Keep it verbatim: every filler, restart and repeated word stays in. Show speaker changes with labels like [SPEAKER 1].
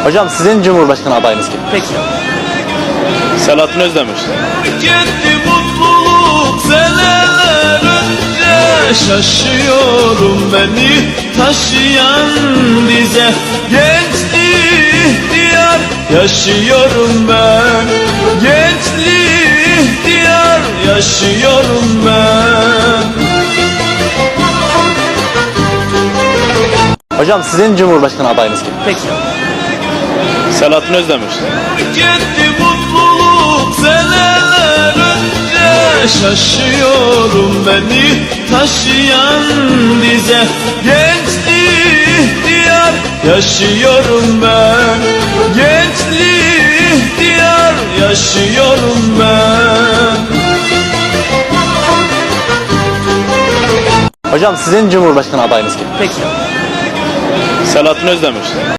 [SPEAKER 1] Hocam sizin Cumhurbaşkanı adayınız kim?
[SPEAKER 2] Peki.
[SPEAKER 3] Selahattin Özdemir.
[SPEAKER 4] Gitti mutluluk seneler önce, şaşıyorum beni taşıyan dize. Gençlik ihtiyar yaşıyorum ben, gençlik ihtiyar yaşıyorum ben.
[SPEAKER 1] Hocam sizin Cumhurbaşkanı adayınız kim?
[SPEAKER 2] Peki.
[SPEAKER 3] Selahattin Özdemir.
[SPEAKER 4] Gitti mutluluk seneler önce, şaşıyorum beni taşıyan dize. Gençlik ihtiyar yaşıyorum ben, gençlik ihtiyar yaşıyorum ben.
[SPEAKER 1] Hocam sizin Cumhurbaşkanı adayınız kim?
[SPEAKER 2] Peki.
[SPEAKER 3] Selahattin Özdemir.